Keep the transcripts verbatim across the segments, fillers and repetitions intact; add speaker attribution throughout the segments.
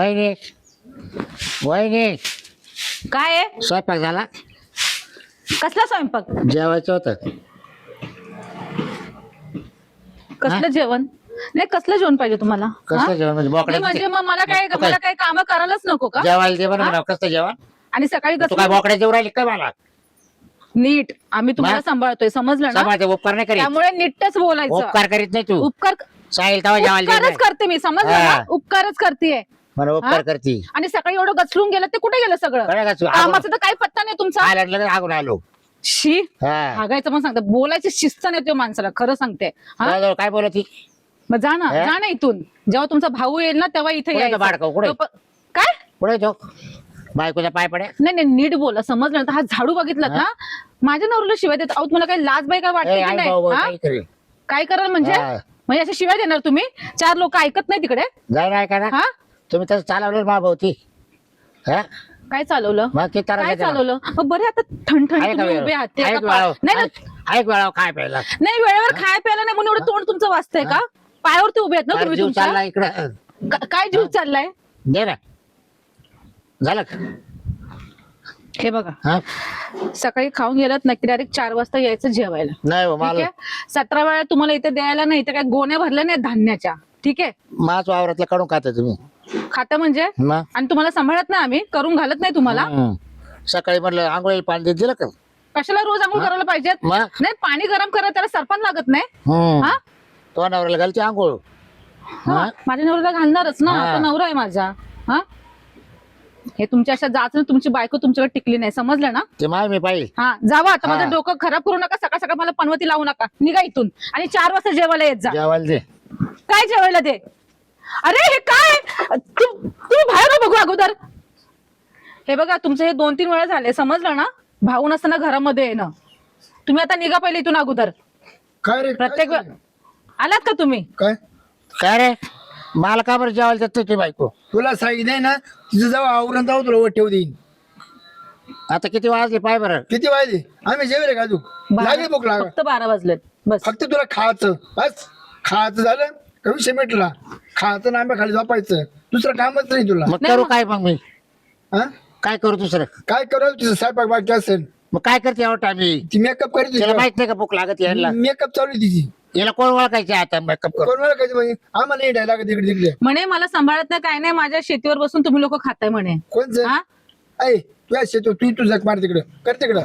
Speaker 1: वहिनी वहिनी
Speaker 2: काय आहे?
Speaker 1: स्वयंपाक झाला?
Speaker 2: कसला स्वयंपाक?
Speaker 1: जेवायचं होतं.
Speaker 2: कसलं जेवण? नाही कसलं जेवण पाहिजे तुम्हाला?
Speaker 1: कसं
Speaker 2: हा?
Speaker 1: जेवण म्हणजे
Speaker 2: नाही
Speaker 1: बोकड्या
Speaker 2: म्हणजे मग मला काय
Speaker 1: तू काय?
Speaker 2: मला काय काम करायलाच नको का?
Speaker 1: जेवायला जेवण म्हणा कसं जेवण?
Speaker 2: आणि सकाळी
Speaker 1: तू काय
Speaker 2: कसं
Speaker 1: बोकड्या जेवण राहिली काय मला?
Speaker 2: नीट आम्ही तुम्हाला
Speaker 1: मग?
Speaker 2: सांभाळतोय, समजलं ना?
Speaker 1: समाज उपकार नाही करीत.
Speaker 2: त्यामुळे नीटच बोलायचं.
Speaker 1: उपकार करीत नाही तू.
Speaker 2: उपकार
Speaker 1: साहिल तवा जेवायला
Speaker 2: उपकारच
Speaker 1: जेवायला.
Speaker 2: करते मी, समजलं
Speaker 1: हा.
Speaker 2: ना? उपकारच करतेय.
Speaker 1: मला उपकार
Speaker 2: हा?
Speaker 1: करती.
Speaker 2: आणि सकाळी एवढं गचलून गेलं ते कुठे गेलं सगळं?
Speaker 1: कळलं का तू?
Speaker 2: कामाचा तर काही पत्ता नाही तुमचा.
Speaker 1: आला लगेच आगून आलो.
Speaker 2: शी
Speaker 1: हा.
Speaker 2: हागायचं पण सांगते, बोलायची शिस्त नाही त्या माणसाला, खरं सांगते. हा?
Speaker 1: जवळ जवळ काय बोलत ती?
Speaker 2: मग जा ना,
Speaker 1: हे?
Speaker 2: जा ना इथून. जेव्हा तुमचा भाऊ येईल ना तेव्हा इथे
Speaker 1: कुठे
Speaker 2: यायचं.
Speaker 1: तो बाळकाऊ, कुठे?
Speaker 2: तो प- काय
Speaker 1: कुठे तो बायकोचा पाय पडे?
Speaker 2: नाही नाही नीट बोला, समजलं ना? हा झाडू बघितलात
Speaker 1: हा?
Speaker 2: ना, माझ्या नवऱ्याला शिवाय देत आहोत. मला काही लाज बाई काय
Speaker 1: ए,
Speaker 2: वाटते की
Speaker 1: आई
Speaker 2: नाही?
Speaker 1: भाऊ भाऊ
Speaker 2: हा?
Speaker 1: काय करेल?
Speaker 2: काय कराल म्हणजे?
Speaker 1: हा.
Speaker 2: म्हणजे अशा शिवाय देणार तुम्ही? चार लोक ऐकत नाही तिकडे?
Speaker 1: जाय ना ऐका ना.
Speaker 2: हा
Speaker 1: तुम्ही तसं चालवलं मा भाऊ ती. हा?
Speaker 2: काय चालवलं?
Speaker 1: मग ते तर
Speaker 2: काय चालवलं? मग बरे आता ठणठण
Speaker 1: आहे का
Speaker 2: तुम्ही
Speaker 1: वेळ?
Speaker 2: उभे आहात ते
Speaker 1: आहे
Speaker 2: एका
Speaker 1: का वेळ?
Speaker 2: पा- नाही ना-
Speaker 1: आहे का वेळावर काय प्यायला?
Speaker 2: नाही वेळेवर खाय प्यायला नाही म्हणून एवढं तोंड तुमचं वाचतंय का? पायावरती उभे आहेत ना
Speaker 1: फार
Speaker 2: तुम्ही
Speaker 1: जीव
Speaker 2: तुमच्या?
Speaker 1: चालला इकडं.
Speaker 2: का- काय जीव चाललाय?
Speaker 1: दे ना. झालं का?
Speaker 2: हे बघा,
Speaker 1: हा?
Speaker 2: सकाळी खाऊन गेलात नक्की डायरेक्ट चार वाजता यायचं जेवायला.
Speaker 1: नाही हो,
Speaker 2: ठीक
Speaker 1: मला
Speaker 2: आहे? सतरा वेळा तुम्हाला इथे द्यायला नाही, इथे काय गोण्या भरल्या नाही धान्याच्या. ठीक आहे?
Speaker 1: माच वावरातलं काढून खाता तुम्ही.
Speaker 2: खाता म्हणजे?
Speaker 1: मग
Speaker 2: आणि तुम्हाला सांभाळत नाही आम्ही, करून घालत नाही तुम्हाला?
Speaker 1: हम्म. सकाळी म्हटलं आंघोळीला पाणी देत दिलं का?
Speaker 2: कशाला रोज आंघोळ करायला पाहिजेत?
Speaker 1: मग
Speaker 2: नाही पाणी गरम करा, त्याला सरपण लागत नाही.
Speaker 1: हम्म.
Speaker 2: हा?
Speaker 1: तो नवऱ्याला घालते आंघोळ.
Speaker 2: हा, माझ्या नवऱ्याला घालणारच ना,
Speaker 1: हा.
Speaker 2: तो नवरा आहे माझा. हा, हे तुमच्या अशा जाच तुमची बायको तुमच्याकडे टिकली नाही, समजलं ना?
Speaker 1: ते माय मी पाहिजे.
Speaker 2: हा जावा आता,
Speaker 1: हा.
Speaker 2: माझं डोकं खराब करू नका. सकाळ सकाळ मला पनवती लावू नका. निघा इथून आणि चार वाजता जेवायला येत जा.
Speaker 1: जेवायला दे.
Speaker 2: काय जेवायला दे? अरे हे काय? तू- तुम्ही बाहेर हो बघू अगोदर. हे बघा तुमचं हे दोन तीन वेळा झाले, समजलं ना? भाऊ नसताना घरामध्ये येणं. तुम्ही आता निघा पहिले इथून अगोदर.
Speaker 3: काय रे
Speaker 2: प्रत्येक वेळ आलात का तुम्ही?
Speaker 3: काय
Speaker 1: काय रे मला का बरं जेवायला देत तुझी बायको?
Speaker 3: तुला सांगितलंय ना, तिचं जाऊ आवरण जाऊ तुला ठेव देईन.
Speaker 1: आता किती वाजले पाय बरं?
Speaker 3: किती वाजले? आम्ही जेवले का तू? लागली भूक लाग.
Speaker 2: फक्त बारा वाजलेत बस.
Speaker 3: फक्त तुला खायचं बस. खायचं झालं का विषय मिटला. खायचं ना आंब्या खाली झोपायचं, दुसरं कामच नाही तुला.
Speaker 1: मग
Speaker 2: नाही
Speaker 1: करू
Speaker 2: मग.
Speaker 1: काय मग मी?
Speaker 3: हा?
Speaker 1: काय करू दुसरं?
Speaker 3: काय करू तुझं स्वयंपाक बाकी असेल?
Speaker 1: मग काय करते एवढा मी?
Speaker 3: ती मेकअप
Speaker 1: त्याला
Speaker 3: करते.
Speaker 1: माहित नाही का भूक लागत यायला?
Speaker 3: मेकअप चालू आहे तिची.
Speaker 1: याला कोण ओळखायचे आता मेकअप कर?
Speaker 3: कोण मला काय म्हणजे आम्हाला नाही द्यायला लागत इकडे तिकडे.
Speaker 2: म्हणे मला सांभाळत नाही काय नाही, माझ्या शेतीवर बसून तुम्ही लोक खाताय म्हणे.
Speaker 3: कोणचं?
Speaker 2: हा?
Speaker 3: ऐ तू शेतो तू तू जग मार तिकडं कर तिकडं.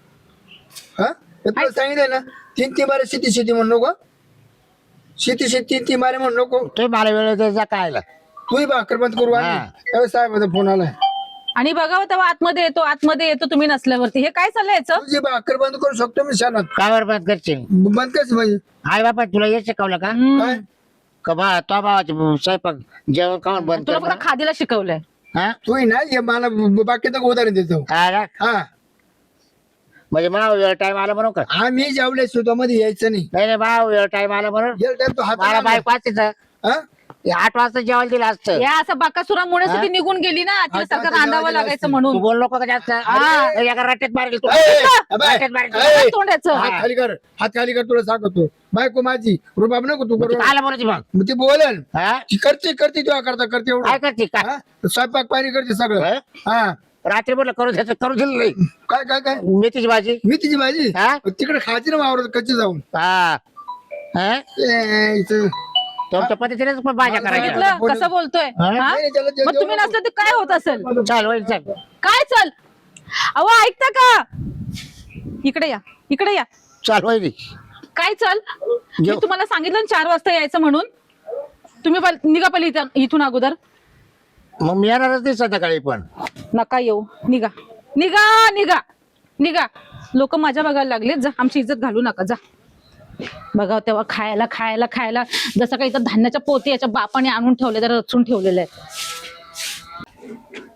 Speaker 3: हा हे तुला सांगितलंय ना, तीन तीन बारे शेती शेती म्हणू नको. शेती शेती तीन तीन बारे म्हणू नको.
Speaker 1: तुम्ही मला वेळ द्यायचा कायला?
Speaker 3: तूही भाकर बंद करू
Speaker 1: हा.
Speaker 3: त्यावेळेस साहेबाचा फोन आलाय.
Speaker 2: आणि बघावं तेव्हा आतमध्ये येतो आतमध्ये येतो तुम्ही नसल्यावरती. हे काय चाललंय याचं?
Speaker 3: तुझी भाकर बंद करू शकतो मी शानात.
Speaker 1: काय बरं बंद करशील?
Speaker 3: बंद कस म्हणजे
Speaker 1: आई बापा तुला हे शिकवलं का?
Speaker 2: हम्म.
Speaker 3: काय
Speaker 1: का बा तो भावाचे स्वयंपाक जेवण खाऊन बंद
Speaker 2: तुला
Speaker 1: कर
Speaker 2: फक्त खादीला शिकवलंय.
Speaker 1: हा?
Speaker 3: तू ना हे मला बाकीचं उदाहरण देतो.
Speaker 1: हा ना?
Speaker 3: हा
Speaker 1: म्हणजे मला वेळ टाइम आला म्हणून का?
Speaker 3: आम्ही जेवले सुतामध्ये यायचं नाही.
Speaker 1: नाही नाही भाऊ वेळ टाइम आला म्हणून
Speaker 3: गेल टाइम तो हात
Speaker 1: मला बाईक वाचायचं
Speaker 3: हा?
Speaker 1: आठ वाजता जेवायला दिलं असतं.
Speaker 2: या असं बाकासुरामुळे
Speaker 1: हा?
Speaker 2: ती निघून गेली ना, तिला
Speaker 3: आता
Speaker 2: सारखं
Speaker 3: आता
Speaker 2: रांधावं
Speaker 3: जेवायला
Speaker 2: लागायचं
Speaker 3: असतं.
Speaker 1: तू
Speaker 2: म्हणून.
Speaker 1: बोल नको का जास्त?
Speaker 2: हा.
Speaker 1: अरे, एका रट्ट्यात मारेल तू.
Speaker 3: ए, ए, अबे,
Speaker 1: रट्ट्यात मारेल तू.
Speaker 3: ए,
Speaker 2: काय तोंडाचं?
Speaker 3: हात खाली कर हात खाली कर तुला सांगतो. बायको माझी रुबाब नको तू
Speaker 1: मग
Speaker 3: करू.
Speaker 1: ती कायला बोलायची मग?
Speaker 3: मग ती बोलेल
Speaker 1: हा?
Speaker 3: ती करते करते तुला करता करते
Speaker 1: काय
Speaker 3: एवढं.
Speaker 1: करते काय?
Speaker 3: हा? स्वयंपाक पाणी करते सगळं.
Speaker 1: हा?
Speaker 3: हा
Speaker 1: रात्री बोललं करू द्यायचं करू दिलं नाही.
Speaker 3: काय काय काय
Speaker 1: मेथीची भाजी.
Speaker 3: मी तिची भाजी
Speaker 1: हा?
Speaker 3: तिकडे खायची ना वावरत कच्ची जाऊन.
Speaker 1: हा हा?
Speaker 3: ए, इथं.
Speaker 1: तुमच्या पद्धतीनेच पण भाज्या करायच्या.
Speaker 2: बघितलं कसं बोलतोय?
Speaker 1: हा?
Speaker 2: हा?
Speaker 3: नाही, नाही, त्याला जेवण
Speaker 2: मग तुम्ही
Speaker 3: नको.
Speaker 2: नसलं तर काय होत असेल?
Speaker 1: चाल वैल चाल.
Speaker 2: काय चल? अहो ऐकता का? इकडे या इकडे या.
Speaker 1: चाल वैली.
Speaker 2: काय चल? मी
Speaker 1: जेव.
Speaker 2: तुम्हाला सांगितलं ना चार वाजता यायचं म्हणून. तुम्ही पल- निघा पहिले इथं- इथून अगोदर.
Speaker 1: मग मी येणारच नाही संध्याकाळी पण.
Speaker 2: नका येऊ. निघा निघा निघा निघा. लोक माझ्या बघायला लागले. जा आमची इज्जत घालू नका. जा बघा तेव्हा खायला खायला खायला जसं काही इथं धान्याच्या पोती याच्या बापाने आणून ठेवले तर रचून ठेवलेले आहेत.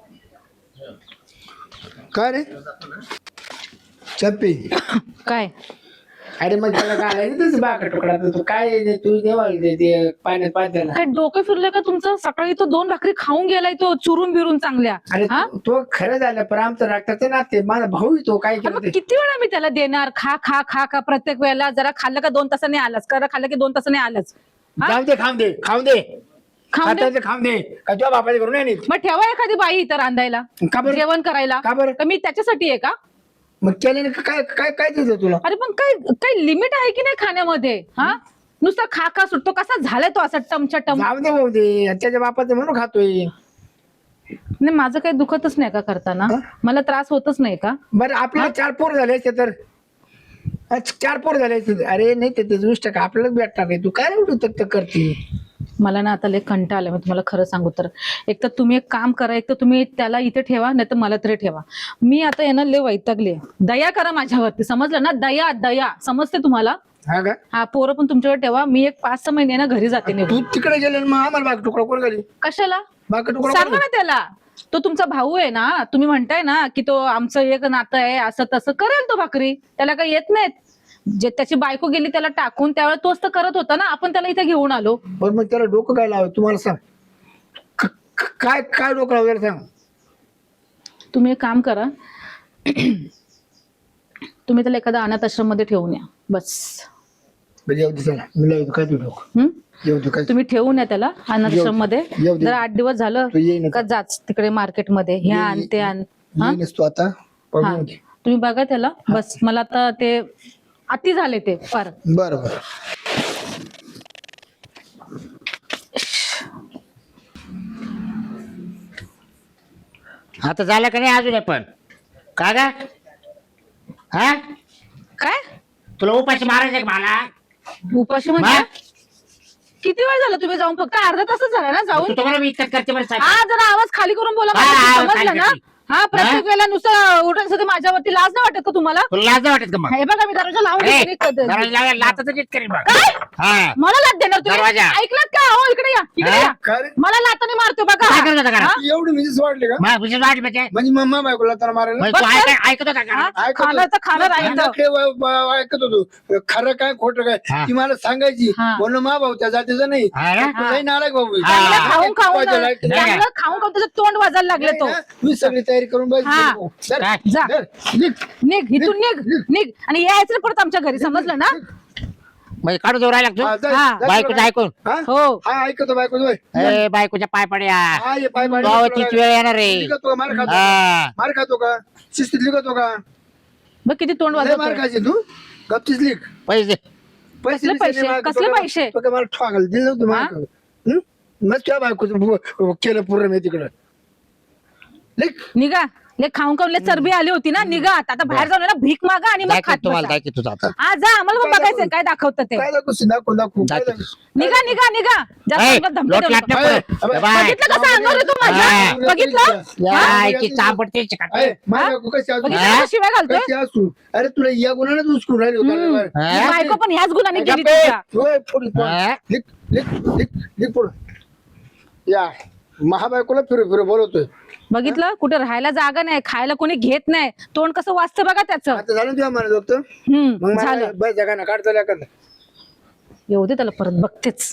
Speaker 3: काय रे चप्पी
Speaker 2: काय
Speaker 3: अरे मग त्याला काय तू बाका तुकडा तू काय तू देवा ते पाण्यात पाण्याला.
Speaker 2: काय डोकं फिरलंय का तुमचं? सकाळी तो दोन भाकरी खाऊन गेलाय तो चुरून बिरून चांगल्या.
Speaker 3: अरे
Speaker 2: हा?
Speaker 3: तो- तो खरं झालं पण आमचं रक्ताचं नाते माझा भाऊ तो काय
Speaker 2: अरे
Speaker 3: केलं
Speaker 2: मग
Speaker 3: ते.
Speaker 2: किती वेळा मी त्याला देणार? खा खा खा खा प्रत्येक वेळेला. जरा खाल्लं का दोन तासाने आलाच, करा खाल्लं की दोन तासाने आलाच. हा?
Speaker 3: जाऊ दे खाऊन दे खाऊन दे
Speaker 2: खाऊन दे.
Speaker 3: खातायचं खाऊन दे का तुझ्या बापाचे करून नाही नेत?
Speaker 2: मग ठेवा एखादी बाई इथं रांधायला,
Speaker 3: का बरं?
Speaker 2: जेवण करायला.
Speaker 3: का बरं?
Speaker 2: तर मी त्याच्यासाठी आहे का?
Speaker 3: मग केल्याने काय काय काय दिलं तुला?
Speaker 2: अरे पण काय काही लिमिट आहे की नाही खाण्यामध्ये? हा नुसता खा खा सुटतो, कसा झालाय तो असा टमच्या टम.
Speaker 3: जाऊ दे भाऊ दे, त्याच्या बापाचं म्हणून खातोय.
Speaker 2: नाही माझं काही दुखतच नाही का करताना?
Speaker 3: हा?
Speaker 2: मला त्रास होतच नाही का?
Speaker 3: बरं आपल्याला चार पोर झाले असते तर अच्छा, चार पोर झाले असते. अरे नाही ते दुष्ट का आपल्यालाच भेटणार नाही. तू काय एवढं तक करते?
Speaker 2: मला ना आता लय कंटाळा आलाय. मी तुम्हाला खरं सांगू तर, एक तर तुम्ही एक काम करा, एक तर तुम्ही त्याला इथे ठेवा, नाही तर मला तरी ठेवा. मी आता येणं लय वैतागले. दया करा माझ्यावरती, समजलं ना? दया दया, समजते तुम्हाला?
Speaker 3: हा का?
Speaker 2: हा पोरं पण तुमच्याकडे ठेवा. मी एक पाच सहा महिने ना घरी जाते निघून.
Speaker 3: तू तिकडे गेले मग आम्हाला बाग तुकडा कोण घाली?
Speaker 2: कशाला?
Speaker 3: बाग तुकडा
Speaker 2: सांगा ना त्याला. तो तुमचा भाऊ आहे ना, तुम्ही म्हणताय ना की तो आमचं एक नातं आहे, असं तसं करेल तो भाकरी. त्याला काही येत नाहीत. जे त्याची बायको गेली त्याला टाकून, त्यावेळेस तोच तर करत होता ना. आपण त्याला इथे घेऊन आलो.
Speaker 3: पण मग त्याला डोकं काय लाव तुम्हाला सांग. क- क- काय काय डोकं लावलं सांग.
Speaker 2: तुम्ही एक काम करा, तुम्ही त्याला एखाद्या अनाथ आश्रम मध्ये ठेवून या बस.
Speaker 3: म्हणजे येऊ दे चला, मी लावतो काय तू डोकं
Speaker 2: हम्म?
Speaker 3: येऊ दे काय.
Speaker 2: तुम्ही ठेवून या त्याला अनाथ आश्रम मध्ये.
Speaker 3: येऊ दे.
Speaker 2: जर आठ दिवस झालं
Speaker 3: तू येईन
Speaker 2: का जाच तिकडे मार्केटमध्ये हे आण ते आण. हा?
Speaker 3: येईनच तू आता पण
Speaker 2: हा
Speaker 3: येऊ दे.
Speaker 2: तुम्ही बघा त्याला बस. मला आता ते अति झाले ते फार.
Speaker 3: बरं बरं.
Speaker 1: आता झालं का नाही अजून पण का गा? हा
Speaker 2: काय
Speaker 1: तुला उपाशी मारायचं का मला?
Speaker 2: उपाशी म्हणजे?
Speaker 1: मा?
Speaker 2: किती वेळ झाला तुम्ही जाऊन? फक्त अर्धा तासच झाला ना जाऊन.
Speaker 1: तू तुम्हाला मी इतकं करते बरं साहेब.
Speaker 2: हा जरा आवाज खाली करून बोला
Speaker 1: हा,
Speaker 2: मला,
Speaker 1: हा,
Speaker 2: समजलं
Speaker 1: खाली
Speaker 2: ना?
Speaker 1: करते.
Speaker 2: हा प्रत्येक वेळेला नुसतं उठायचं माझ्यावरती लाज नाही वाटत का तुम्हाला?
Speaker 1: तुला लाज नाही वाटत का मग?
Speaker 2: हे बघा मी दरवाजा लावून
Speaker 1: ए,
Speaker 2: देते कधी-
Speaker 1: दरवाजा लावायला लाथाचं नीट करीन बघ.
Speaker 2: काय?
Speaker 1: हा
Speaker 2: मला लात देणार तुम्ही?
Speaker 1: दरवाजा.
Speaker 2: ऐकलात का? हो इकडे या, इकडे
Speaker 1: हा?
Speaker 2: या.
Speaker 3: काय रे?
Speaker 2: मला लाताने मारतो बघा.
Speaker 1: काय करत होता का?
Speaker 2: हा?
Speaker 3: एवढी मिसेस वाटली का?
Speaker 1: मग विशेष वाट म्हणजे
Speaker 3: म्हणजे मम्मा बायकोला तर मारायला
Speaker 1: म्हणजे तू
Speaker 2: बस
Speaker 1: ऐक- ऐकत होता का?
Speaker 2: हा?
Speaker 3: ऐकत
Speaker 2: खाणार तर खाणार
Speaker 3: होतो.
Speaker 2: आहे
Speaker 3: तिला
Speaker 2: तर.
Speaker 3: काय व- व- ऐकत होतो खरं काय खोटं काय
Speaker 1: हा.
Speaker 3: ती मला सांगायची.
Speaker 2: हा.
Speaker 3: म्हणून मा भाऊ त्या जातीचा नाही.
Speaker 1: हा ना?
Speaker 3: तू लई नाराज भाऊ आहे.
Speaker 1: हा.
Speaker 2: चांगलं खाऊन खाऊन
Speaker 3: पाहिजे लाईट.
Speaker 2: चांगलं खाऊन खाऊन त्याचं तोंड वाजायला लागले
Speaker 3: नाही
Speaker 2: तो.
Speaker 3: ना, मी सगळी तयारी करून
Speaker 2: हा.
Speaker 3: बस
Speaker 1: काय?
Speaker 2: जा.
Speaker 3: निघ.
Speaker 2: निघ इथून निघ निघ आणि यायचं परत आमच्या घरी, समजलं ना?
Speaker 1: म्हणजे काढू जोर राहिला
Speaker 3: हा,
Speaker 1: तू
Speaker 3: जा,
Speaker 2: हा.
Speaker 3: जा
Speaker 1: बायकोचं
Speaker 3: तिकडे.
Speaker 1: ऐकून.
Speaker 3: हा?
Speaker 2: हो.
Speaker 3: हा ऐकतो बायको होय.
Speaker 1: ए बायकोच्या पाय पड्या.
Speaker 3: हा ये पाय पाय
Speaker 1: गावाचीच वेळ येणार रे.
Speaker 3: लिखतो का? मार खातो का?
Speaker 1: हा
Speaker 3: मार खातो का? शिस्तीत लिखतो का?
Speaker 2: बघ किती तोंड
Speaker 3: लय मार
Speaker 2: वाजवतो.
Speaker 3: खायचे तू गपचीच लिख.
Speaker 1: पैसे
Speaker 3: पैसे
Speaker 2: कसले
Speaker 3: बिसे
Speaker 2: पैसे?
Speaker 3: नाही मागत.
Speaker 2: कसले
Speaker 3: तो काय-
Speaker 2: पैसे?
Speaker 3: तो काय मला ठोकायला दिलं नव्हतं
Speaker 2: हा?
Speaker 3: मला. हं? मग तुझ्या बायकोचं बु- केलं पूर्ण मी तिकडं लिख.
Speaker 2: निघा. ले खाऊन खाऊन ले चरबी आली होती ना. निघा आता बाहेर जाऊन ना भीक मागा आणि मग
Speaker 1: दाखव
Speaker 2: खात
Speaker 1: तुम्हाला
Speaker 2: बसा.
Speaker 1: दाखव तुझं आता.
Speaker 2: हा जा, आम्हाला पण बघायचंय काय दाखवतं ते.
Speaker 3: काय दाखवू दाखवू दाखवू काय
Speaker 1: दाखव.
Speaker 3: दाखवू?
Speaker 2: निघा निघा निघा. जास्त
Speaker 1: ए,
Speaker 2: अंगात धमकी
Speaker 1: लोट
Speaker 2: देऊ
Speaker 1: लाट
Speaker 2: नका.
Speaker 1: नको.
Speaker 3: अरे,
Speaker 1: ए, बाय.
Speaker 2: बघितलं कसं अंगावर येतो माझ्या?
Speaker 1: हा.
Speaker 2: बघितलं?
Speaker 1: या इथे चांबड तेच
Speaker 3: अरे,
Speaker 1: काढते.
Speaker 3: माझ्या
Speaker 2: हा?
Speaker 3: बायको कशी असू?
Speaker 2: बघितलं कसं शिवाय घालतोय?
Speaker 3: कशी असू? अरे तुला या गुन्ह्याने उचकून राहिली होती.
Speaker 2: हम्म.
Speaker 3: अरे,
Speaker 1: हा?
Speaker 2: बायको पण ह्याच गुणाने गेली
Speaker 3: गप्पे.
Speaker 2: तुझ्या.
Speaker 3: होय, पुढे, पुढे.
Speaker 1: हा?
Speaker 3: लिख लिख लिख लिख पुढे. या महाबायकोला फिरू फिरू बोलवतोय.
Speaker 2: बघितलं कुठे राहायला जागा नाही, खायला कोणी घेत नाही, तोंड कसं वाचतं बघा त्याचं.
Speaker 3: आता झालं तुझ्या म्हणत होतं
Speaker 2: हम्म
Speaker 3: मग मला
Speaker 2: झालं.
Speaker 3: बस जगा ना काढता का
Speaker 2: येऊ दे त्याला परत बघतेच.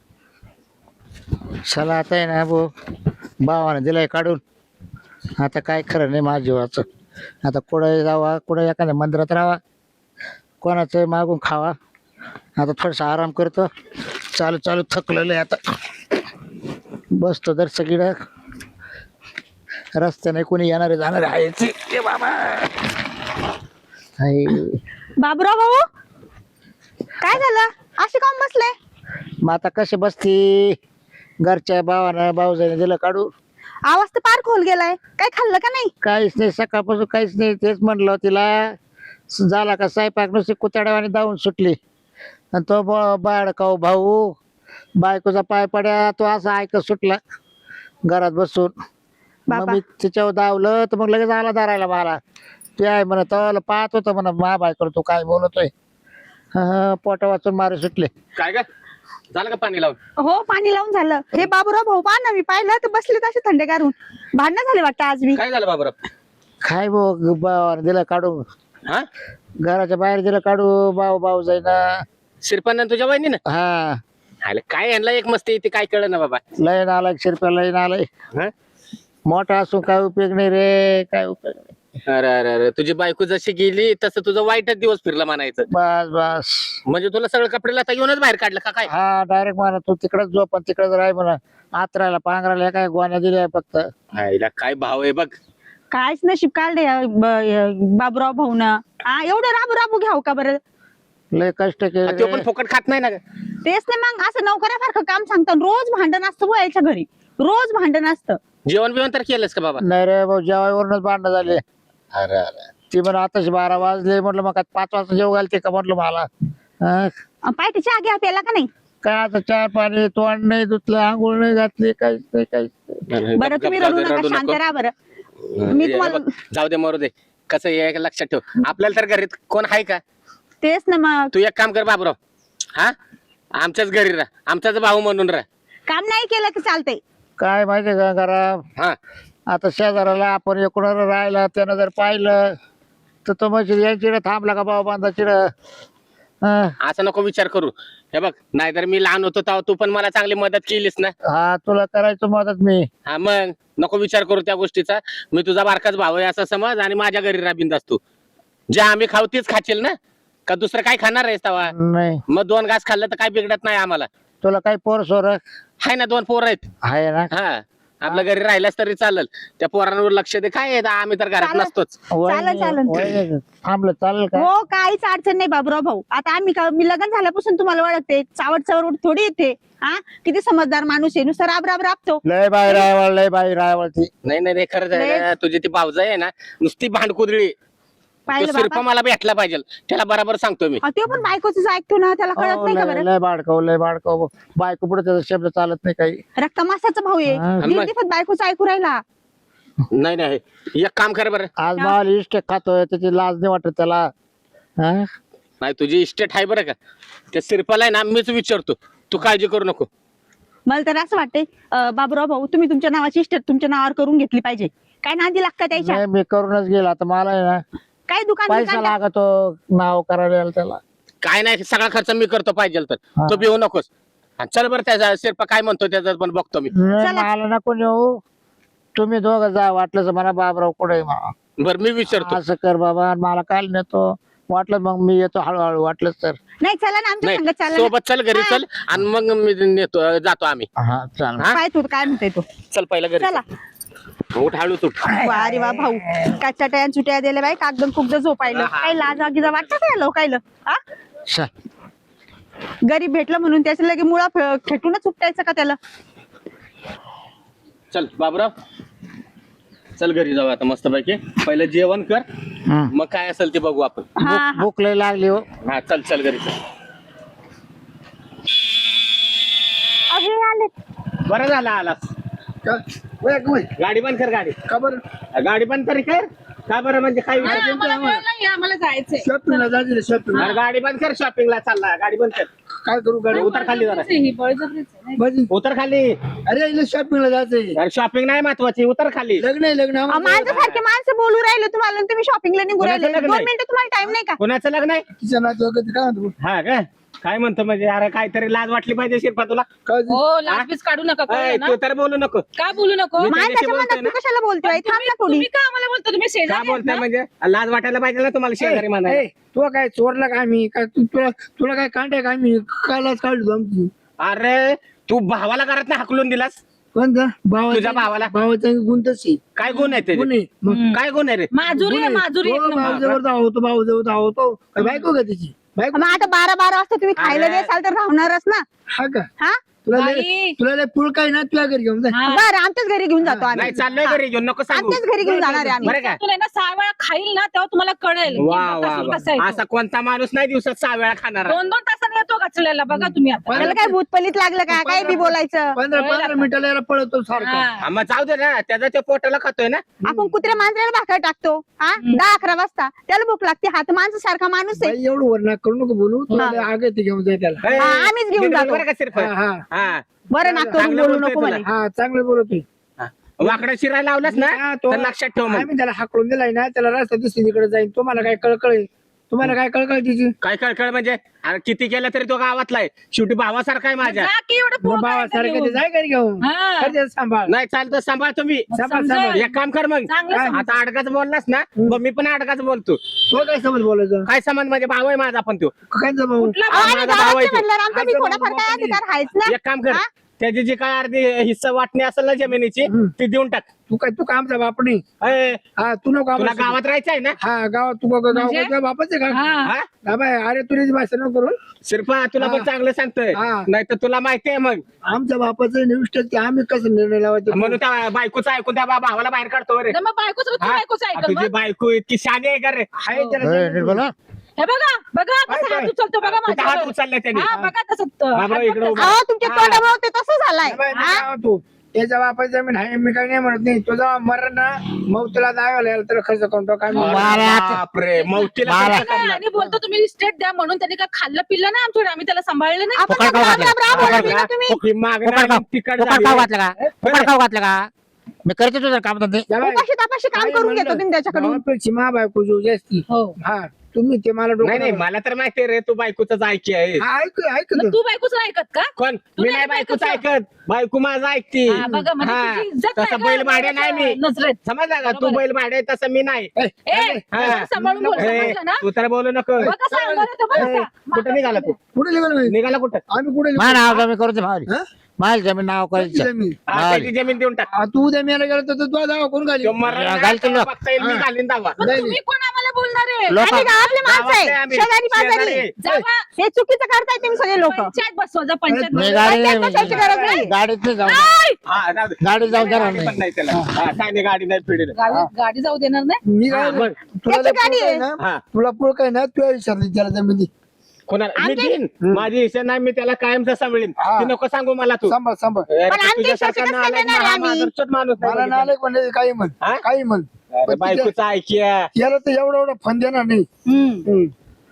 Speaker 1: चला आता आहे ना भाऊ, भावाने दिलाय काढून. आता काय खरं नाही माझ्या जीवाचं. आता कुठं जावा, कुठं एखाद्या मंदिरात राहावा, कोणाचं मागून खावा. आता थोडासा आराम करतो. चालू चालू थकलेलं आहे आता. बसतो तर सगळीकडं रस्त्याने कोणी येणारे जाणारे आहेच ते बाबा. हाय.
Speaker 4: बाबूराव भाऊ काय झालं असे काम बसले?
Speaker 1: मग आता कशी बसती? घरच्या भावानं भाऊजाने दिलं काढून.
Speaker 4: आवाज तर पार खोल गेलाय. काय खाल्लं का नाही?
Speaker 1: काहीच नाही, सकाळपासून काहीच नाही. तेच म्हणलं तिला. झाला का स्वयंपाक नुसती कुत्याड्यावाने धावून सुटली. आणि तो बाळकाऊ भाऊ बायकोचा पाय पड्या तो असा ऐकत सुटला घरात बसून. मग
Speaker 4: बाबा.
Speaker 1: मी तिच्यावर धावलं तर मग लगेच आला धरायला मला. ते आहे म्हणत पाहत होतं म्हणा मा बायको तू काय बोलतोय. हा पोटा वाचून मारे सुटले.
Speaker 5: काय काय झालं का पाणी लावून?
Speaker 4: हो पाणी लावून झालं. हे बाबूराव भाऊ पहा ना, मी पाहिलं तर बसले तसे थंडेगार होऊन. भांडणं झाले वाटतं आज मी.
Speaker 5: काय झालं बाबूराव?
Speaker 1: काय भाऊ भावाने दिलं काढून,
Speaker 5: हा
Speaker 1: घराच्या बाहेर दिलं काढू. भाऊ भाऊ जाईना.
Speaker 5: शिरपान तुझ्या वहिनी ना
Speaker 1: हा
Speaker 5: आले काय यांना एक मस्ती येते काय कळलं ना बाबा.
Speaker 1: लय नालायक शिरप्या लय नालाय.
Speaker 5: हा?
Speaker 1: मोठा असून काय उपयोग नाही रे, काय उपयोग नाही.
Speaker 5: अरे अरे अरे तुझी बायको जशी गेली तसं तुझं वाईटच दिवस फिरला म्हणायचं.
Speaker 1: बस बस.
Speaker 5: म्हणजे तुला सगळं कपडे आता येऊनच बाहेर काढलं का काय?
Speaker 1: हा डायरेक्ट मला तू तिकडच झोप आणि तिकडच राह म्हणा. आत्रायला पांघरायला काय गोण्या दिल्या फक्त.
Speaker 5: आईला काय भाव आहे बघ.
Speaker 4: कायच नशीब काढले या ब- बाबूराव भाऊ ना. हा एवढं राबू राबू घ्याव का बरं?
Speaker 1: लय कष्ट
Speaker 5: आणि तो
Speaker 1: केले.
Speaker 5: पण फुकट खात नाही ना ग.
Speaker 4: तेच नाही मग असं नोकऱ्यासारखं काम सांगतात. रोज भांडण असतं बुवा याच्या घरी. रोज भांडण असतं.
Speaker 5: जेवण बिवण तर केलंस का बाबा?
Speaker 1: नाही रे भाऊ जेवायवरूनच भांडणं झाले.
Speaker 5: अरे अरे
Speaker 1: ती म्हणा आताच बारा वाजले म्हटलं मग काय पाच वाजता जेव घालते का म्हटलं मला. हा,
Speaker 4: पाय तिच्या आगे प्याला का नाही?
Speaker 1: काय आता चहा पाणी तोंड नाही धुतलं आंघोळ नाही घातली काहीच नाही काहीच नाही.
Speaker 4: बरं
Speaker 5: गप-
Speaker 4: तुम्ही
Speaker 5: गप-
Speaker 4: रडू
Speaker 5: जाऊ दे,
Speaker 4: नका,
Speaker 5: रडू
Speaker 4: शांत
Speaker 5: नको.
Speaker 4: राहा बरं. मी
Speaker 5: हे
Speaker 4: तुम्हाला
Speaker 5: बघ, जाऊ दे मरू दे. कसं आहे एक लक्षात ठेव, आपल्याला तर घरीत कोण आहे का?
Speaker 4: तेच ना मग.
Speaker 5: तू एक काम कर बाबूराव, हा आमच्याच घरी राह, आमचाच भाऊ म्हणून राह.
Speaker 4: काम नाही केलं की चालतंय.
Speaker 1: काय माहितीये का करा
Speaker 5: हा
Speaker 1: आता शेजाराला आपण एकूण राहिला त्यानं जर पाहिलं तर तो म्हणजे यांची थांबला का बाबा बांधाची
Speaker 5: असं नको विचार करू. हे बघ, नाहीतर मी लहान होतो तेव्हा तू पण मला चांगली मदत केलीस ना.
Speaker 1: हा तुला करायचं मदत मी.
Speaker 5: हा मग नको विचार करू त्या गोष्टीचा. मी तुझा बारकाच भाऊ आहे असं समज आणि माझ्या घरी राबिंद असतो. जे आम्ही खाऊ तेच खाशील ना, का दुसरं काय खाणार आहेस तेव्हा?
Speaker 1: नाही
Speaker 5: मग दोन घास खाल्लं तर काय बिघडत नाही आम्हाला.
Speaker 1: तुला काही पोर सोर
Speaker 5: हाय ना, दोन पोरं आहेत.
Speaker 1: आहे ना.
Speaker 5: हा आपल्या घरी राहिलास तरी चालेल. त्या पोरांवर लक्ष दे. काय आहे, आम्ही तर घरात
Speaker 4: चालेल.
Speaker 5: नसतोच.
Speaker 4: चालेल, चालेल.
Speaker 1: वहिनी, थांबलं चालेल का?
Speaker 4: हो काहीच अडचण नाही बाबूराव भाऊ. आता आम्ही का मी लग्न झाल्यापासून तुम्हाला ओळखते. चावट चावट थोडी येते. हा किती समजदार माणूस आहे. नुसतं राब राब राबतो.
Speaker 1: लय बाई रायवळ लय बाई रायवळ ती.
Speaker 5: नाही नाही नाही, खरंच आहे ना, तुझी ती भावजाई आहे ना नुसती भांडकुदळी.
Speaker 4: पाहिलं
Speaker 5: सिर्फ
Speaker 4: बाबा.
Speaker 5: मला भेटला पाहिजे, त्याला बरोबर सांगतो मी.
Speaker 4: अहो, तो पण बायकोच ऐकतो ना. त्याला कळत
Speaker 1: हो,
Speaker 4: नाही का
Speaker 1: लय
Speaker 4: बरं?
Speaker 1: लय बाडकव लय बाडकव बायको पुढे त्याचा शब्द चालत नाही काही.
Speaker 4: रक्तमासाचा भाऊ आहे.
Speaker 1: हा.
Speaker 4: दीड दिवसात बायकोच ऐकू राहिला.
Speaker 5: नाही नाही, एक काम कर बरं.
Speaker 1: आज माल इष्ट खातोय त्याची लाज नाही वाटत त्याला. हा?
Speaker 5: नाही तुझी इस्टेट आहे बरं का, त्या सिरपाला आहे ना मीच विचारतो, तू काळजी करू नको.
Speaker 4: मला तर असं वाटतंय अं, बाबूराव भाऊ तुम्ही तुमच्या नावाची इस्टेट तुमच्या नावावर करून घेतली पाहिजे. काय नादी लागतं त्याच्या?
Speaker 1: नाही मी करूनच गेला आता मला आहे ना
Speaker 4: काय दुकान
Speaker 1: पैसा
Speaker 4: बिकान
Speaker 1: लागतो नाव करायला त्याला.
Speaker 5: काय नाही, सगळा खर्च मी करतो पाहिजे तर.
Speaker 1: हा.
Speaker 5: तो भिवू नकोस. आणि चल बरं, त्याचा सिरपा काय म्हणतो त्याचं पण बघतो मी.
Speaker 1: नाही,
Speaker 4: चला.
Speaker 1: मला नको नेऊ. तुम्ही दोघं जा वाटलं तर मला बाबराव कुठे आहे मला.
Speaker 5: बरं मी विचारतो.
Speaker 1: असं कर बाबा मला काल नेतो वाटलं मग मी येतो हळूहळू वाटलंच तर.
Speaker 4: नाही चला ना आमच्या
Speaker 5: नाही
Speaker 4: संगत चालला ना.
Speaker 5: सोबत चल, घरी चल आणि मग मी नेतो, जातो आम्ही.
Speaker 1: हा चाल.
Speaker 5: हा?
Speaker 4: काय तू काय म्हणतोय तू?
Speaker 5: चल पहिला घरी
Speaker 4: चला.
Speaker 5: चल. उठ हळू तू.
Speaker 4: वा रे वा भाऊ काय चटया चुट्या दिल्या बाई. कागदम कुगद झोपायला काही लाज वागिजा वाटतं काय लोकायला? हा
Speaker 1: चल.
Speaker 4: गरीब भेटलं म्हणून त्याच्या लगे मुळा फ- खेटूनच उपटायचं का त्याला?
Speaker 5: चल बाबराव, चल घरी जाऊ आता मस्त पैकी. पहिलं जेवण कर,
Speaker 1: हं.
Speaker 5: मग काय असेल ते बघू आपण.
Speaker 4: हा
Speaker 1: भूक
Speaker 4: हा.
Speaker 1: भूक लय लागली हो.
Speaker 5: हा चल चल घरी चल.
Speaker 4: अरे आले.
Speaker 5: बरं झालं आलास.
Speaker 3: का? वय, वय.
Speaker 5: गाडी बंद कर, गाडी
Speaker 3: का बरं?
Speaker 5: गाडी बंद तरी कर. का बरं म्हणजे काय विचार?
Speaker 2: आम्हाला जायचंय.
Speaker 3: शॉपिंगला जायचं शॉपिंग.
Speaker 5: अरे गाडी बंद कर, शॉपिंगला चालला. गाडी बंद कर.
Speaker 3: काय करू गाडी?
Speaker 5: उतर खाली जरा,
Speaker 3: माझी
Speaker 5: उतर खाली.
Speaker 3: अरे इला शॉपिंगला जायचंय.
Speaker 5: अरे शॉपिंग नाही महत्वाची, उतर खाली.
Speaker 3: लग्न आहे लग्न
Speaker 4: अहो,
Speaker 3: आम्हाला.
Speaker 4: माझ्यासारखे माणसं बोलू राहिले तुम्हाला आणि तुम्ही शॉपिंगला निघू
Speaker 5: कोणाचं
Speaker 4: राहिले.
Speaker 5: लग्न
Speaker 4: दोन
Speaker 5: आहे?
Speaker 4: मिनिटं तुम्हाला टाइम नाही का?
Speaker 5: कोणाचं लग्न आहे?
Speaker 3: तिच्या नातू काय म्हणतो?
Speaker 5: हा का? काय म्हणतो म्हणजे? अरे काहीतरी लाज वाटली पाहिजे शिरपा तुला.
Speaker 3: काय
Speaker 2: हो लाजबीज काढू नका,
Speaker 5: अय,
Speaker 2: कळलं ना?
Speaker 5: तू तर बोलू नको.
Speaker 2: का बोलू नको?
Speaker 5: मी
Speaker 4: माणसाच्या
Speaker 5: त्याच्याशी
Speaker 4: मनात
Speaker 5: बोलतोय
Speaker 4: तू
Speaker 5: ना.
Speaker 4: कशाला बोलतोय? थांब ना थोडी.
Speaker 2: तुम्ही का आम्हाला बोलता? तुम्ही
Speaker 5: का
Speaker 2: शेजारी आहेत
Speaker 5: बोलताय
Speaker 2: ना?
Speaker 5: म्हणजे? लाज वाटायला पाहिजे ना तुम्हाला शेजारी म्हणायला.
Speaker 3: ए, तू काय चोरला का आम्ही काय तू- तुला तुला काय कांटे का आम्ही कायलाच काढलो आमची.
Speaker 5: अरे तू भावाला घरात ना हाकलून दिलास.
Speaker 3: कोणता भावा?
Speaker 5: तुझ्या भावाला?
Speaker 3: भावाचा गुण तशी
Speaker 5: काय गुण आहे
Speaker 3: गुण
Speaker 5: त्याचे?
Speaker 3: आहे. मग
Speaker 5: काय गुण आहे रे?
Speaker 2: माजुरी आहे, माजुरी
Speaker 3: हो,
Speaker 2: एक नंबर.
Speaker 3: भाऊजवळ धावतो भाऊजवळ धावतो. काय बायको का तिची बायको?
Speaker 4: मग आता बारा बारा वाजता तुम्ही खायला
Speaker 5: अरे.
Speaker 4: देसाल तर राहणारच ना.
Speaker 3: हा का?
Speaker 4: हा
Speaker 3: तुला लय-
Speaker 2: बाई.
Speaker 3: तुला लय पुळ काय ना तुला घरी घेऊन जा.
Speaker 2: हा.
Speaker 4: बरं आमच्याच घरी घेऊन जातो आम्ही.
Speaker 5: नाही चाललोय घरी घेऊन, नको सांगू.
Speaker 4: आमच्याच घरी घेऊन जाणार आहे आम्ही.
Speaker 5: बरं का?
Speaker 2: तुला ना सहा वेळा खाईल ना तेव्हा तुम्हाला कळेल की
Speaker 5: वा वा
Speaker 2: कसं-
Speaker 5: वा.
Speaker 2: कसं आहे तो.
Speaker 5: असा कोणता माणूस नाही दिवसात सहा वेळा खाणार.
Speaker 2: दोन दोन तासांनी येतो गचलेला बघा तुम्ही आता.
Speaker 4: त्याला काय भूतपलीत लागलं का? काय बी बोलायचं?
Speaker 3: पंधरा पंधरा मिनिटाला याला पळतो सारखा.
Speaker 2: हा.
Speaker 5: मग जाऊ दे ना, त्याचा ते पोटाला खातोय ना.
Speaker 4: आपण कुत्र्या मांजराला भाकर टाकतो हा दहा अकरा वाजता. त्याला भूक लागते. हात माणसं सारखा माणूस आहे.
Speaker 3: बाई, एवढं वरना करू नको बोलू. तुला लय आग येते घेऊन जाय त्याला.
Speaker 5: ए,
Speaker 4: हा, आम्हीच घेऊन
Speaker 5: नीट बोल
Speaker 4: जातो.
Speaker 5: बरं का सिर्फ.
Speaker 3: हा, हा.
Speaker 5: हा.
Speaker 4: बरं ना करून
Speaker 5: चांगलं
Speaker 4: बोलू
Speaker 5: बोलतोय
Speaker 4: नको
Speaker 5: तुला.
Speaker 4: म्हणे.
Speaker 3: हा चांगलं बोलतोय.
Speaker 5: हा. वाकडा शिरायला लावलास ना
Speaker 3: हा, तो-
Speaker 5: तर लक्षात ठेव मग.
Speaker 3: आम्ही त्याला हाकलून दिलाय ना त्याला रस्ता दुसरीकडे जाईल. तुम्हाला काय कळकळ आहे? तुम्हाला काय कळकळ तिची
Speaker 5: काय कळकळ म्हणजे अरे किती केलं तरी तो गावातला आहे शेवटी भावासारखा आहे माझ्या
Speaker 2: जा की एवढं पोरं
Speaker 3: बाबा
Speaker 2: काय
Speaker 3: सारखं
Speaker 2: घेऊन.
Speaker 3: ते जाय घरी घेऊन
Speaker 2: हा.
Speaker 3: करते सांभाळ
Speaker 5: नाही चालतं सांभाळ तुम्ही
Speaker 3: सांभाळ
Speaker 2: समजा.
Speaker 3: सांभाळ
Speaker 5: एक काम कर मग
Speaker 2: चांगलं समजा.
Speaker 5: आता अडकाच बोललास ना मग मी पण अडकाच बोलतो
Speaker 3: तो काय समज बोलायचं
Speaker 5: काय संबंध म्हणजे भाऊ आहे माझा पण तो
Speaker 3: कायचा भाऊ
Speaker 2: कुठला
Speaker 4: अहो, आणि
Speaker 5: माझा भाव आहे
Speaker 4: गावातले
Speaker 5: तो.
Speaker 4: म्हणल्यावर आमचा बी
Speaker 3: आमचा
Speaker 4: थोडाफार
Speaker 3: भाऊ
Speaker 4: काय
Speaker 3: बापाने.
Speaker 4: अधिकार आहेच ना
Speaker 5: एक काम कर त्याची जी काय अर्धी हिस्सा वाटणी असेल ना जमिनीची ती देऊन टाक
Speaker 3: तू काय तू कामचा बाप नाही
Speaker 5: अय,
Speaker 3: हा तू नको
Speaker 5: तुला
Speaker 3: आम्हाला
Speaker 5: गावात राहायचं आहे ना
Speaker 3: हा गावात तू
Speaker 2: म्हणजे?
Speaker 3: गावाचा बापच आहे का
Speaker 2: हा.
Speaker 5: हा?
Speaker 3: हा बाय अरे तुझी भाषा नको करून
Speaker 5: शिरपा तुला पण
Speaker 3: हा.
Speaker 5: चांगलं सांगतोय
Speaker 3: हा.
Speaker 5: नाही तर तुला माहिती आहे मग
Speaker 3: आमच्या बापाचं निविष्ट की आम्ही कसं निर्णय लावायचा
Speaker 5: म्हणून त्या बायकोचं ऐकून त्या बा- भावाला बाहेर काढतो रे
Speaker 2: तर मग बायकोच तू
Speaker 5: हा?
Speaker 2: बायकोच ऐकल
Speaker 5: तुझी
Speaker 2: मग.
Speaker 5: बायको इतकी शानी आहे का रे
Speaker 3: आहे त्याला
Speaker 1: ए,
Speaker 3: सांगितलं.
Speaker 1: नीट बोला
Speaker 2: हे बघा बघा
Speaker 3: काय
Speaker 2: कसा हात
Speaker 3: काय?
Speaker 2: उचलतो बघा
Speaker 5: कुठं हात
Speaker 2: माझ्यावर.
Speaker 5: उचललाय त्याने
Speaker 2: हा बघा तसं त-
Speaker 5: बाबा,
Speaker 2: हात बघ
Speaker 5: इकडं
Speaker 2: तसं.
Speaker 5: उभा.
Speaker 4: अहो तुमच्या
Speaker 5: हा.
Speaker 4: तोंडामुळे ते तसं झालंय
Speaker 3: ए बाई,
Speaker 4: हा?
Speaker 3: काय तू त्याच्या बापाची जमीन आहे मी काही नाही म्हणत नाही तुझा मरण ना मग तुला दावायला यायला तर खर्च करतो काय
Speaker 5: अरे
Speaker 1: मारा.
Speaker 5: बापरे मौतीला
Speaker 1: मारा.
Speaker 5: खर्च करणार.
Speaker 2: आणि बोलतो तुम्ही स्टेट द्या म्हणून त्यांनी काय खाल्लं पिल्लं नाही आमच्याकडे आम्ही त्याला सांभाळलं नाही
Speaker 4: आपण
Speaker 1: फुकट खाऊ
Speaker 4: राम
Speaker 1: घातलं
Speaker 4: राम राम
Speaker 1: फुकट
Speaker 4: बोलला तुम्ही
Speaker 5: ही मागणं
Speaker 1: फुकट खाऊ
Speaker 5: आणि तिखट
Speaker 1: फुकट
Speaker 5: झाली.
Speaker 1: खाऊ घातलं का फुकट खाऊ घातलं का मी करते तुझं काम धंदे
Speaker 4: उपाशी तापाशी काम करून घेतो तुम्ही त्याच्याकडून
Speaker 3: मा बायको जो जास्ती
Speaker 2: हो
Speaker 3: हा तुम्ही ते मला
Speaker 5: नाही
Speaker 3: डोकं
Speaker 5: नाही मला तर माहिती आहे रे तू बायकोच ऐकी आहे
Speaker 3: हा, ऐक ऐक
Speaker 2: मग तू बायकोच नाही ऐकत का
Speaker 5: कोण
Speaker 2: तू
Speaker 5: मी
Speaker 2: नाही
Speaker 5: नाही बायकोच
Speaker 2: बायकोचं.
Speaker 5: ऐकत बायको माझं ऐकती
Speaker 2: हा, बघा म्हणजे
Speaker 5: हा.
Speaker 2: तुझी इज्जत
Speaker 5: तसं
Speaker 2: नाही
Speaker 5: बैल
Speaker 2: का
Speaker 5: भाड्या नाही मी
Speaker 2: नजरेत
Speaker 5: समजला का तू
Speaker 2: बरोबर आहे.
Speaker 5: बैल भाड्या आहे तसं मी नाही
Speaker 3: ए,
Speaker 2: ए
Speaker 5: हा.
Speaker 2: जरा सांभाळून बोल
Speaker 5: ए,
Speaker 2: समजलं ना
Speaker 5: तू तर बोलू नको
Speaker 2: बघा सांगणार आहे तो बघा
Speaker 5: ए,
Speaker 2: का?
Speaker 5: कुठं निघाला तू
Speaker 3: कुठे निघाल बाई?
Speaker 5: निघाला कुठं
Speaker 3: आम्ही कुठे
Speaker 1: मा नाव जमीन करू दे मावली
Speaker 3: हा?
Speaker 1: माल जमीन नाव
Speaker 3: कुठली
Speaker 1: करायचं
Speaker 3: जमीन?
Speaker 5: हा, त्याची जमीन देऊन टाक
Speaker 3: आ, तू उद्या मेला गेला तर तू दावा कोण घाली
Speaker 5: तो मरण
Speaker 1: घाल
Speaker 5: नाही,
Speaker 1: तुला.
Speaker 5: तेव्हा बघता येईल मी
Speaker 3: हा.
Speaker 5: घालीन दावा
Speaker 2: मग तुम्ही कोण आम्हाला बोलणार आहे
Speaker 1: लोक
Speaker 4: आम्ही गावातले माणसं
Speaker 5: गावातले
Speaker 4: आहे
Speaker 5: आम्ही.
Speaker 4: शेजारी पाजारी
Speaker 5: शेजारी.
Speaker 2: जावा
Speaker 4: हे चुकीचं करताय तुम्ही सगळे लोक
Speaker 2: पंचायत बसवा जा पंचायत
Speaker 1: मी
Speaker 2: बसवा.
Speaker 1: गाडी
Speaker 4: पंचायत बसायची गरज नाही.
Speaker 1: गाडीत नाही जाऊ
Speaker 2: ऐ!
Speaker 5: हा, जाऊ दे.
Speaker 1: गाडी जाऊ देणार
Speaker 5: गाडी पण
Speaker 1: नाही
Speaker 5: नाही त्याला हा, काय नाही गाडी नाही पिढी
Speaker 2: गाडी गाडी जाऊ देणार नाही
Speaker 3: मी
Speaker 5: हा,
Speaker 3: काय
Speaker 5: मग.
Speaker 3: तुला
Speaker 4: त्याची
Speaker 3: जर
Speaker 4: गाडी
Speaker 3: पुळक आहे
Speaker 4: आहे.
Speaker 3: ना
Speaker 5: हा
Speaker 3: तुला पुळ काय ना तू विचारली त्याला जमीन दे.
Speaker 5: कोणाला मी
Speaker 4: आमच्या-
Speaker 5: देईन माझी इच्छा नाही मी त्याला कायमचा सांभाळीन
Speaker 3: हा.
Speaker 5: ती नको सांगू मला तू
Speaker 3: सांभाळ सांभाळ
Speaker 5: अरे,
Speaker 4: पण आमच्या
Speaker 5: तुझ्यासारखा
Speaker 4: इच्छाचं कसं
Speaker 5: नालायक
Speaker 4: देणार
Speaker 5: हा
Speaker 4: आम्ही?
Speaker 5: माणूसच माणूस नाही
Speaker 3: मला
Speaker 5: बघितला.
Speaker 3: नालायक म्हणजे काही म्हण
Speaker 5: हा?
Speaker 3: काही म्हण
Speaker 5: अरे,
Speaker 3: पण तिच्या-
Speaker 5: बायकोचं ऐकिया
Speaker 3: याला तर एवढा एवढा फन देणार नाही
Speaker 2: हम्म.
Speaker 3: हम्म.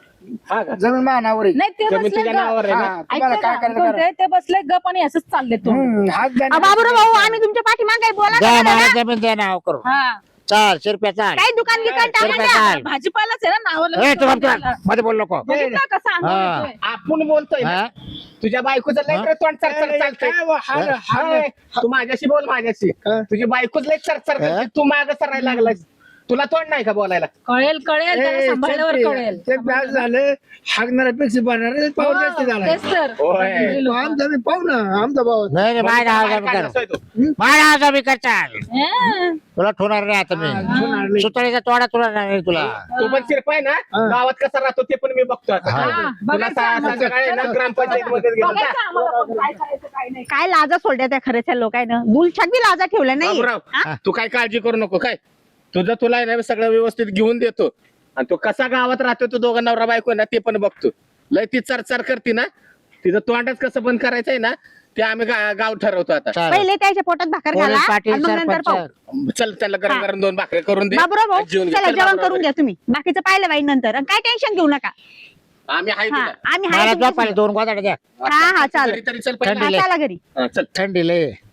Speaker 5: हा का
Speaker 3: जमीन मानावर आहे
Speaker 2: नाही ते
Speaker 5: जमीन
Speaker 2: बसले
Speaker 5: तुझ्या नावावर आहे ना
Speaker 3: हा, तुम्हाला
Speaker 2: ऐका
Speaker 3: काय
Speaker 2: ना,
Speaker 3: करायचं करा.
Speaker 2: कोणते ते बसले गप आणि असंच चालले तो
Speaker 3: हम्म, हात
Speaker 4: अहो,
Speaker 3: जाणे-
Speaker 4: बाबूराव भाऊ आम्ही तुमच्या पाठीमागे बोला
Speaker 1: द्या
Speaker 4: ना
Speaker 1: मला
Speaker 4: जरा.
Speaker 1: जमीन द्या नाव करू
Speaker 2: हा
Speaker 1: चाल शिरप्या चाल
Speaker 4: काही दुकान गिकान टाका
Speaker 1: शिरप्या
Speaker 4: ना.
Speaker 1: चाल
Speaker 2: भाजीपालाच आहे ना नावाला
Speaker 1: ए तू
Speaker 2: विचारून
Speaker 1: फक्त
Speaker 2: द्यायला.
Speaker 1: मध्ये बोल नको
Speaker 2: बघितलं कसं अंगावर
Speaker 1: हा.
Speaker 2: येतोय?
Speaker 5: आपण बोलतोय ना
Speaker 1: हा?
Speaker 5: तुझ्या बायकोचं लय
Speaker 1: हा?
Speaker 5: तर तोंड चरचर चालतंय
Speaker 3: काय वा, हा ना, हा ना.
Speaker 5: हाय, तू माझ्याशी बोल माझ्याशी
Speaker 3: हा.
Speaker 5: तुझी बायकोच लय चरचर
Speaker 1: हा?
Speaker 5: करते तू माग सरायला लागलास तुला तोंड नाही का बोलायला
Speaker 2: कळेल कळेल त्याला
Speaker 3: ए,
Speaker 2: सांभाळल्यावर
Speaker 3: ते-
Speaker 2: कळेल
Speaker 3: ते व्याज झालं हागणाऱ्यापेक्षा बनणार पाऊस जास्त झाला
Speaker 2: तेच तर
Speaker 5: होय.
Speaker 3: तो आमचा मी पाहू ना आमचा भाऊ
Speaker 1: नाही नाही माझ्या नाव
Speaker 5: बाहेर
Speaker 1: जमीन
Speaker 5: काढला
Speaker 1: कर
Speaker 5: असतोय तो.
Speaker 1: माझ्या नाव जमीन कर चाल
Speaker 2: हा.
Speaker 1: तुला ठेवणार नाही आता मी सुतळीचा तोडा तुला नाही तुला
Speaker 5: तो पण शिरपा आहे ना गावात कसा राहतो ते पण मी बघतो आता
Speaker 1: हा.
Speaker 5: तुला
Speaker 2: बघायचं
Speaker 5: सा-
Speaker 2: आम्हाला.
Speaker 5: संध्याकाळी ना ग्रामपंचायत मध्ये गेलो जा.
Speaker 2: बघायचं आम्हाला पण काय करायचं काय नाही
Speaker 4: काय लाजा सोडल्या त्या खऱ्याच्या लोकांना दुलछट बी लाजा ठेवल्या नाही
Speaker 5: बाबूराव तू काय काळजी करू नको काय तुझं तुला आहे ना सगळं व्यवस्थित घेऊन देतो आणि तो कसा गावात राहतो तो दोघं नवरा बायको आहे ना ते पण बघतो लय ती चरचर करते ना तिचं तोंडच कसं बंद करायचंय ना ते आम्ही गा- गाव ठरवतो आता
Speaker 1: चाल
Speaker 4: पहिले त्याच्या पोटात भाकर घाला
Speaker 1: पोलीस पाटील
Speaker 4: आणि मग नंतर पाहू
Speaker 1: सरपंच
Speaker 5: चल त्याला गरम गरम दोन भाकरी करून दे
Speaker 4: बाबूराव भाऊ
Speaker 5: जेवून घे.
Speaker 4: चला
Speaker 5: चल
Speaker 4: जेवण
Speaker 5: बाबूराव.
Speaker 4: करून घ्या तुम्ही बाकीचं पाहिलं बाई नंतर आणि काय टेन्शन घेऊ नका
Speaker 5: आम्ही आहे
Speaker 4: हा
Speaker 5: तुला
Speaker 4: आम्ही
Speaker 1: मला
Speaker 4: हाय
Speaker 1: झोपायला दोन गोदाड्या द्या
Speaker 4: हा हा चालेल
Speaker 5: तरी तरी चल
Speaker 4: हा,
Speaker 5: पहिला
Speaker 4: चला घरी
Speaker 5: हा, चल
Speaker 1: थंडी लय